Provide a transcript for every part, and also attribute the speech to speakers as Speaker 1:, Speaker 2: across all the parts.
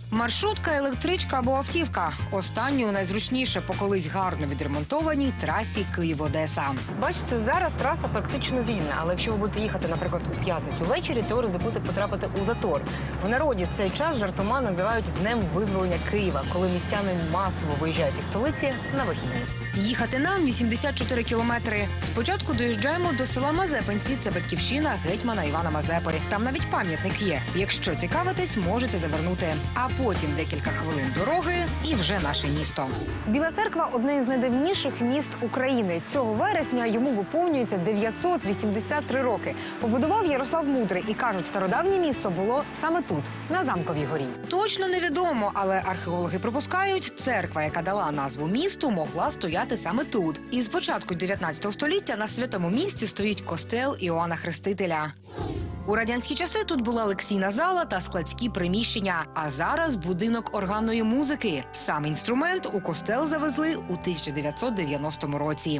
Speaker 1: Маршрутка, електричка або автівка. Останню найзручніше по колись гарно відремонтованій трасі Київ-Одеса.
Speaker 2: Бачите, зараз траса практично вільна, але якщо ви будете їхати, наприклад, у п'ятницю ввечері, то ризикуєте потрапити у затор. В народі цей час жартома називають Днем визволення Києва, коли містяни масово виїжджають із столиці на вихідні.
Speaker 1: Їхати нам 84 кілометри. Спочатку доїжджаємо до села Мазепинці, це батьківщина гетьмана Івана Мазепи. Там навіть пам'ятник є. Якщо цікавитесь, можете завернути. А потім декілька хвилин дороги і вже наше місто.
Speaker 2: Біла Церква – одне із найдавніших міст України. Цього вересня йому виповнюється 983 роки. Побудував Ярослав Мудрий і, кажуть, стародавнє місто було саме тут, на Замковій горі.
Speaker 1: Точно невідомо, але археологи припускають, церква, яка дала назву місту, могла стояти саме тут. І з початку 19 століття на святому місці стоїть костел Іоанна Хрестителя. У радянські часи тут була лекційна зала та складські приміщення, а зараз будинок органної музики. Сам інструмент у костел завезли у 1990 році.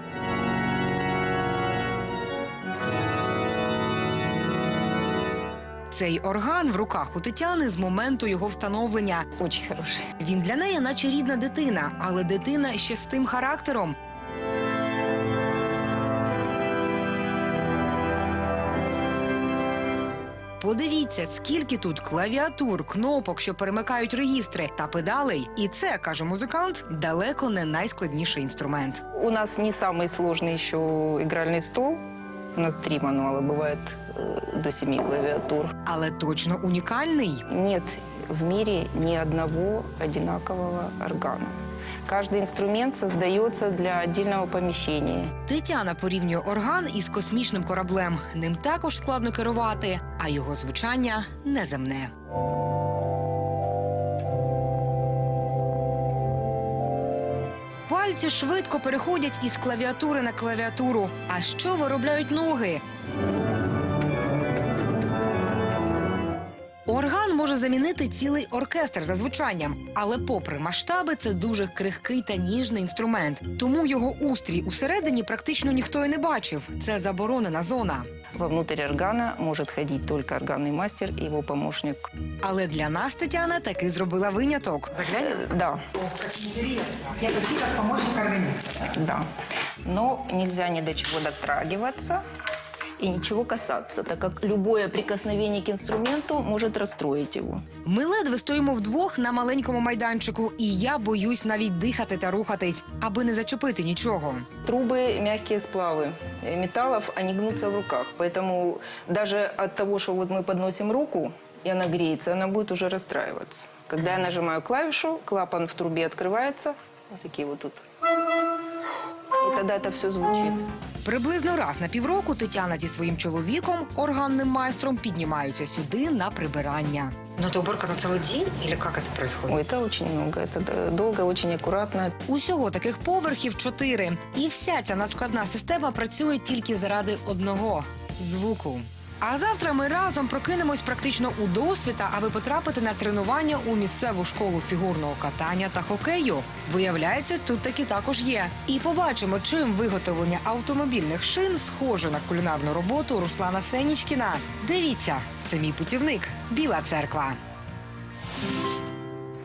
Speaker 1: Цей орган в руках у Тетяни з моменту його встановлення.
Speaker 2: Дуже хороший.
Speaker 1: Він для неї наче рідна дитина, але дитина ще з тим характером. Подивіться, скільки тут клавіатур, кнопок, що перемикають регістри, та педалей. І це, каже музикант, далеко не найскладніший інструмент.
Speaker 3: У нас не самый сложный еще игральный стол. У нас 3 мануала, бывает до 7 клавиатур.
Speaker 1: Але точно унікальний.
Speaker 3: Нет в мире ни одного одинакового органа. Каждый инструмент создается для отдельного помещения.
Speaker 1: Тетяна порівнює орган із космічним кораблем. Ним також складно керувати, а його звучання неземне. Пальці швидко переходять із клавіатури на клавіатуру. А що виробляють ноги? Орган може замінити цілий оркестр за звучанням. Але попри масштаби, це дуже крихкий та ніжний інструмент. Тому його устрій усередині практично ніхто й не бачив. Це заборонена зона.
Speaker 3: Вовнутрь органа может ходить только органный мастер и его помощник.
Speaker 1: Але для нас Тетяна таки зробила виняток.
Speaker 3: Да.
Speaker 1: Я почти як помощник органіста.
Speaker 3: Да. Но нельзя ни до чего дотрагиваться и ничего касаться, так как любое прикосновение к инструменту может расстроить его.
Speaker 1: Ми ледве стоїмо вдвох на маленькому майданчику, і я боюсь навіть дихати та рухатись, аби не зачепити нічого.
Speaker 3: Трубы – мягкие сплавы металлов, они гнутся в руках. Поэтому даже от того, что вот мы подносим руку, и она греется, она будет уже расстраиваться. Когда я нажимаю клавишу, клапан в трубе открывается, вот такие вот тут. И тогда это все звучит.
Speaker 1: Приблизно раз на півроку Тетяна зі своїм чоловіком, органним майстром, піднімаються сюди на прибирання. Ну, це уборка на цілий день? Или як це відбувається?
Speaker 3: Ой, это очень много, это долго, очень аккуратно.
Speaker 1: Усього таких поверхів 4. І вся ця надскладна система працює тільки заради одного – звуку. А завтра ми разом прокинемось практично у досвіта, аби потрапити на тренування у місцеву школу фігурного катання та хокею. Виявляється, тут таки також є. І побачимо, чим виготовлення автомобільних шин схоже на кулінарну роботу Руслана Сенічкіна. Дивіться, це мій путівник – Біла Церква.